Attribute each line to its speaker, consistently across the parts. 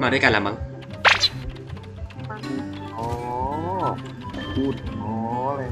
Speaker 1: มาด้วยกันละมั้ง
Speaker 2: อ๋อพูดอ๋ออะไร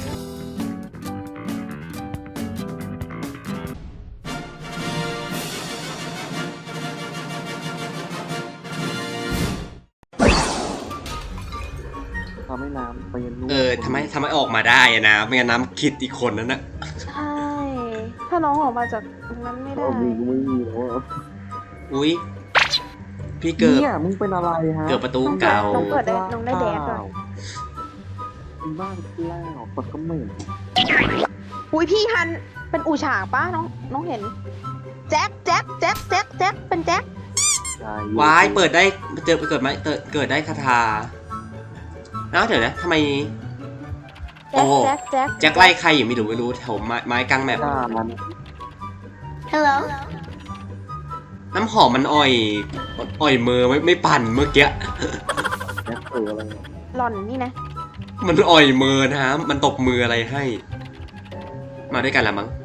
Speaker 2: ทำให้น้ำไปยันนู่น
Speaker 1: ทำไมออกมาได้อะนะไม่งั้นน้ำคิดอีกคนนั้นนะ
Speaker 3: ใช่ถ้าน้องออกมาจากตรงนั้นไม่ได้
Speaker 2: มึงไม่มีแล้ว
Speaker 1: อุ้ยพี่เกิด
Speaker 2: เนี่ยมึงเป็นอะไรฮะ
Speaker 1: เกิดประตูเก่า
Speaker 3: น้องเปิดได้น้องได้แดกก่อน
Speaker 2: มีบ้านแล้วปากก็เหม็น
Speaker 3: อุ้ยพี่ฮันเป็นอู่ฉางป้าน้องเห็นแจ็คเป็นแจ็คว
Speaker 1: ายเปิดได้เกิดไหมเกิดได้คาถาอ้าวเดี๋ยวนะทำไมโอ้แจ็คไล่ใครอยู่ไม่รู้แถวไม้กลางแมป
Speaker 3: ฮัลโหล
Speaker 1: น้ำหอมมันอ่อยมือไม่ปั่นเมื่อกี้
Speaker 2: แจ็คอะไร
Speaker 3: หล่อนนี่นะ
Speaker 1: มันอ่อยมือนะฮะมันตบมืออะไรให้มาด้วยกันละมั้ง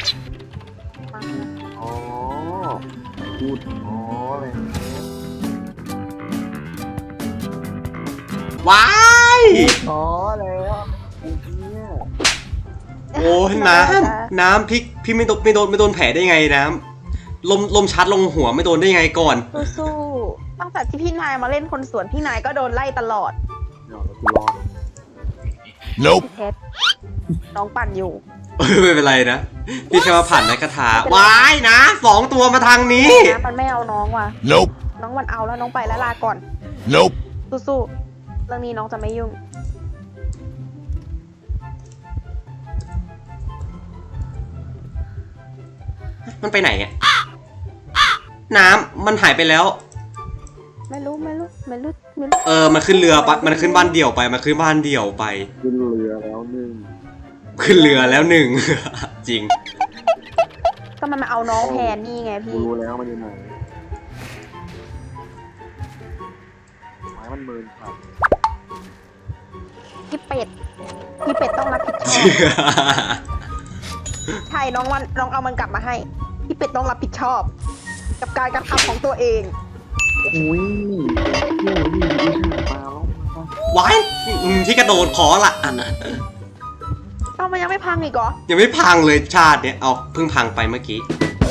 Speaker 2: อ๋อพูดอ๋ออะไร
Speaker 1: ว้าย
Speaker 2: อ๋อแล้ว
Speaker 1: โอ้น้ำพี่ไม่โดนแผลได้ไงน้ำลมชัดลงหัวไม่โดนได้ไงก่อน
Speaker 3: สู้ตั้งแต่ที่พี่นายมาเล่นคนสวนพี่นายก็โดนไล่ตลอดเพชรน้องปั่นอยู่
Speaker 1: ไม่เป็นไรนะพี่แค่มาผ่านในคาถาว้ายนะ2 ตัวมาทางนี้
Speaker 3: มันไม่เอาน้องว่ะน้องมันเอาแล้วน้องไปแล้วลาก่อนสู้เรื่องนี้น้องจะไม่ยุ่ง
Speaker 1: มันไปไหนอ่ะน้ำมันหายไปแล้ว
Speaker 3: ไม่รู้มัน
Speaker 1: ขึ้นเรือปะมันขึ้นบ้านเดี่ยวไปขึ้นเรือ
Speaker 2: แล้วหนึ่ง
Speaker 1: จริง
Speaker 3: ก็มันมาเอาน้องแทนนี่ไงพี่
Speaker 2: รู้แล้วมันอยู่ไหนไม้มันเมินครับ
Speaker 3: พี่เป็ดต้องรับผิดชอบใช่น้องเอามันกลับมาให้พี่เป็ดต้องรับผิดชอบกับการกระทำของตัวเอง
Speaker 2: อุ้ยเที่ยวนี่มาแล้ว
Speaker 1: ว้ายที่กระโดดขอละอันน่ะ
Speaker 3: มันยังไม่พังอีกเหรอ
Speaker 1: ยังไม่พังเลยชาติเนี่ยเอาเพิ่งพังไปเมื่อกี้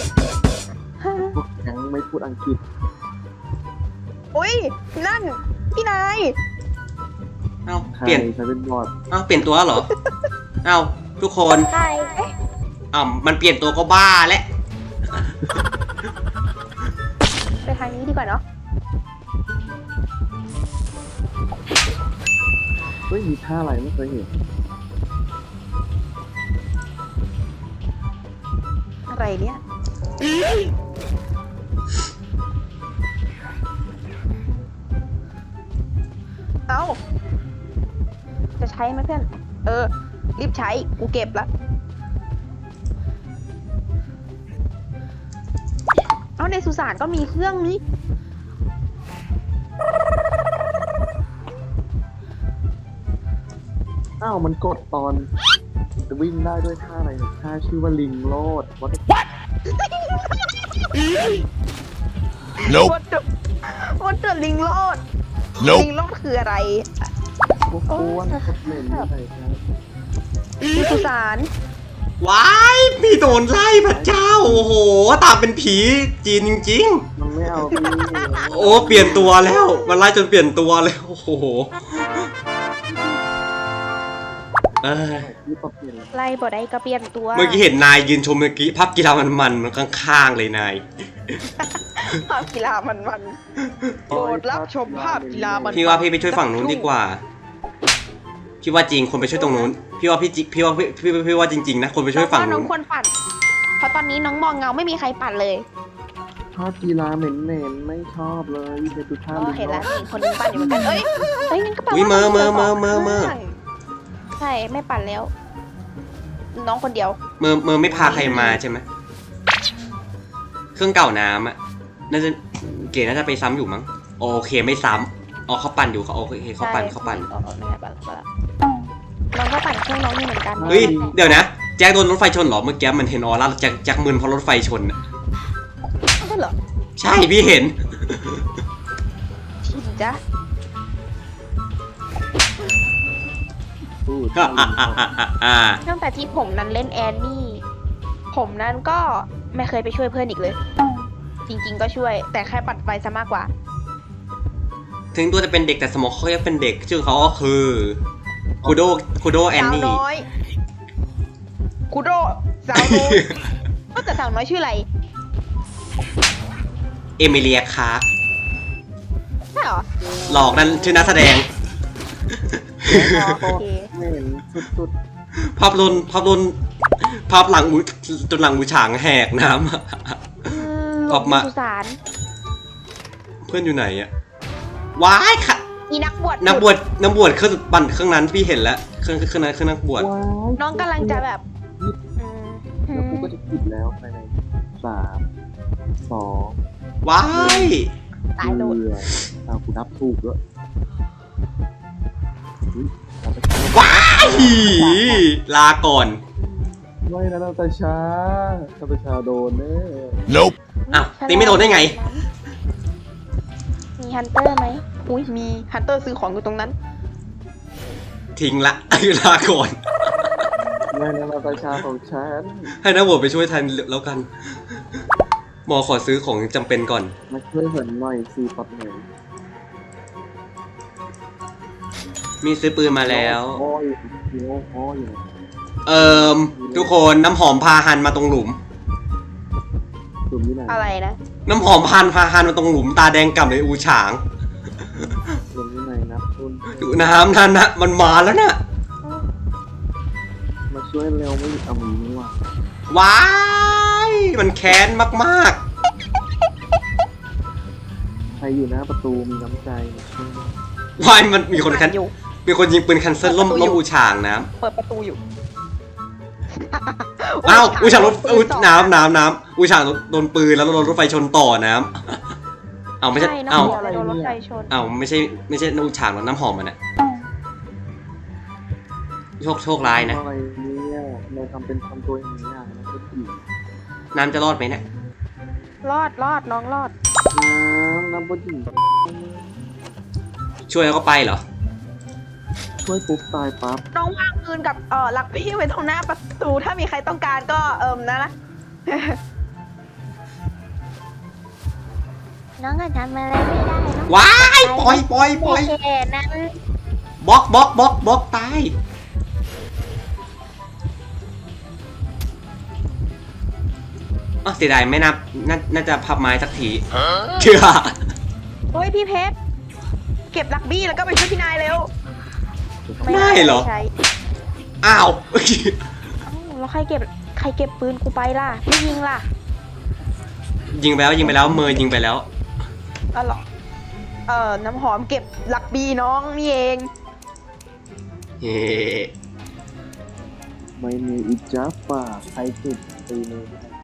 Speaker 2: ยังไม่พูดอังกฤษ
Speaker 3: อุ้ยนั่นพี่นาย
Speaker 1: เปลี่ยน
Speaker 2: เป็นบอด
Speaker 1: เปลี่ยนตัวเหรอทุกคนมันเปลี่ยนตัวก็บ้าแล้ว
Speaker 3: ไปทางนี้ดีกว่าเนาะ
Speaker 2: เฮ้ยมีท่าอะไรไม่เคยเห็น
Speaker 3: อะไรเนี่ยจะใช้ไหมเพื่อนรีบใช้กูเก็บละในสุสานก็มีเครื่องนี้
Speaker 2: มันกดตอนจะวิ่งได้ด้วยท่าอะไรท่าชื่อว่าลิงโลดวัด
Speaker 3: ลิงโลดคืออะไร
Speaker 2: พวกเล่นอะไรครับ
Speaker 3: มีสุสาน
Speaker 1: ว้ายพี่โดนไล่พระเจ้าโอ้โหตามเป็นผีจีนจริง
Speaker 2: ๆมันไม่เอา
Speaker 1: โอ้เปลี่ยนตัวแล้วมันไล่จนเปลี่ยนตัวแล้วโอ้โห
Speaker 3: ไล่บ่ได้ก็เปลี่ยนตัว
Speaker 1: เมื่อกี้เห็นนายยืนชมเมื่อกี้ภาพกีฬามันข้างๆเลยนาย
Speaker 3: ภาพกีฬามันโปรดรับชมภาพกีฬามัน
Speaker 1: พี่ว่าพี่ไปช่วยฝั่งนู้นดีกว่าพี่ว่าจริงคนไปช่วยตรงนู้นพี่ว่าจริงๆนะคนไปช่วยฝั่งนู้น
Speaker 3: น้องควรปั่นเพราะตอนนี้น้องมองเงาไม่มีใครปั่นเลย
Speaker 2: ภาพกีฬาเหม็นไม่ชอบเลยไปดูท่า
Speaker 3: เห็นแล้วคนนึงปั่นอยู่เหมือนกันนั่นก็แปลว่า
Speaker 1: เมื่อ
Speaker 3: ใช่ไม่ปั่นแล้วน้องคนเดียว
Speaker 1: เมื่อไม่พาใครมาใช่ไหมเครื่องเก่าน้ำอ่ะน่าจะเก๋น่าจะไปซ้ำอยู่มั้งโอเคไม่ซ้ำเขาปั่นอยู่เขาโอเคเขาปั่น
Speaker 3: น้องก็ปั่นเครื่องน้องนี่เหมือนกัน
Speaker 1: เฮ้ยเดี๋ยวนะแจ็คโดนรถไฟชนเหรอเมื่อกี้มันเห็นออร่าแจ็คมึนเพราะรถไฟชนอ่ะ
Speaker 3: ใช่เหรอ
Speaker 1: ใช่พี่เห็น
Speaker 3: จ๊ะ
Speaker 2: พูด
Speaker 3: ตั้งแต่ที่ผมนั้นเล่นแอนนี่ ผมนั้นก็ไม่เคยไปช่วยเพื่อนอีกเลย จริงๆก็ช่วย แต่แค่ปัดไฟซะมากกว่า
Speaker 1: ถึงตัวจะเป็นเด็กแต่สมองเขายังเป็นเด็กชื่อเขาก็คือคูโดแอน
Speaker 3: สาว
Speaker 1: นี่
Speaker 3: น้อยคุโดสาวน้อยก็แต่สาวน้อยชื่ออะไร
Speaker 1: เอมิเลียคาร์ก
Speaker 3: ใช่เหรอ
Speaker 1: หลอกนั่นชื่อนักแสดง
Speaker 3: โอเค
Speaker 2: เหม็นสุด
Speaker 1: ภาพหลังจนหลังอูฉางแหกน้ำ ออกมา
Speaker 3: สุสาน
Speaker 1: เพื่อนอยู่ไหนอะว้ายค่ะ
Speaker 3: อีนักบวช
Speaker 1: นักบวชเครื่องปั่นเครื่องนั้นพี่เห็นแล้วเครื่องนั้นเครื่องนักบวช
Speaker 2: ๆว้าย
Speaker 3: น้องกำลังจะแบบอืม
Speaker 2: แล้วกูก็จะปิดแล้วภายใน3 2
Speaker 1: ว้าย
Speaker 3: ตายโดน
Speaker 2: กูนับถูกด้วยอุ๊ยนาตาชา
Speaker 1: ว้ายลาก่อน
Speaker 2: ไม่นะนาตาชาโดนแน่
Speaker 4: Nope.
Speaker 1: อ้าวตีไม่โดนได้ไง
Speaker 3: มีฮันเตอร์ไหมอุ้ยมีฮันเตอร์ซื้อของอยู่ตรงนั้น
Speaker 1: ทิ้งละ ลาก่อน
Speaker 2: ไม่นะนาตาชาของฉัน
Speaker 1: ให้นักบวชไปช่วยแทนแล้วกัน หมอขอซื้อของจำเป็นก่อน
Speaker 2: มาช่วยเหินหน่อยซีปัดหน่อย
Speaker 1: มีซื้อปืนมาแล้ว
Speaker 2: โอ้ยโอ้ย
Speaker 1: ทุกคนน้ำหอมพาหันมาตรงหลุม
Speaker 2: กลุ่มนี้ไหน
Speaker 3: อะไรนะ
Speaker 1: น้ำหอมพาหันมาตรงหลุมตาแดงกล่ำเลยอูฉาง
Speaker 2: กลุ่มนี้ไหนนะคุณ
Speaker 1: ดูน้ำนั่นนะมันมาแล้วนะ
Speaker 2: มาช่วยเร็วไม่เอามือนี่ว่ะ
Speaker 1: ว้ายมันแค้นมาก
Speaker 2: ใครอยู่หน้าประตูมีน้ำใจมาช่วย
Speaker 1: ๆว้ายมันมีคน
Speaker 3: อยู่
Speaker 1: มีคนยิงปืนแคนเซิลล่มอูฉางน้
Speaker 3: เปิดประตูอยู่
Speaker 1: ำอ้าวอูฉางรถน้ำอูฉางโดนปืนแล้วโดนรถไฟชนต่อน้ำเอาไม่ใช่
Speaker 3: ใช่น้ำ
Speaker 1: เอา
Speaker 3: หอมเลยโดนรถไฟชน
Speaker 1: เอาไม่ใช่อูฉางหรอกน้ำหอมมันอะโชคร้ายนะ
Speaker 2: อะไรเนี่ยเราทำเป็นทำตัวอย่างนี้นะก็ผี
Speaker 1: น้ำจะรอดไหมเนี่ย
Speaker 3: รอดน้องรอด
Speaker 2: น้ำบนหิน
Speaker 1: ช่วยแล้วก็ไปเหรอ
Speaker 2: ช่วยปุ๊บตายปั๊บ
Speaker 3: น้องวางปืนกับลักพี่ไว้ตรงหน้าประตูถ้ามีใครต้องการก็นะ น้องก็ทำอะไรไม่ได้เนาะ
Speaker 1: ว้ายปล่อย
Speaker 3: แค่นั้น
Speaker 1: บล็อกตายอ๋อเสียดายไม่น่าจะพับไม้สักทีเชื่อ
Speaker 3: โอ้ยพี่เพชรเก็บลักบี้แล้วก็ไปช่วยพี่นายเร็ว
Speaker 1: ไม่เหรอ
Speaker 3: ใช้
Speaker 1: อ้าว
Speaker 3: เอ้าแล้วใครเก็บปืนกูไปล่ะไม่ยิงล่ะ
Speaker 1: ยิงไปแล้วเมย์ยิงไปแล้ว
Speaker 3: อ๋อเหรอน้ำหอมเก็บลักบี้น้องนี่เอง
Speaker 1: เฮ้
Speaker 2: ไม่มีอีจ้าป่าใครจุดตีมือ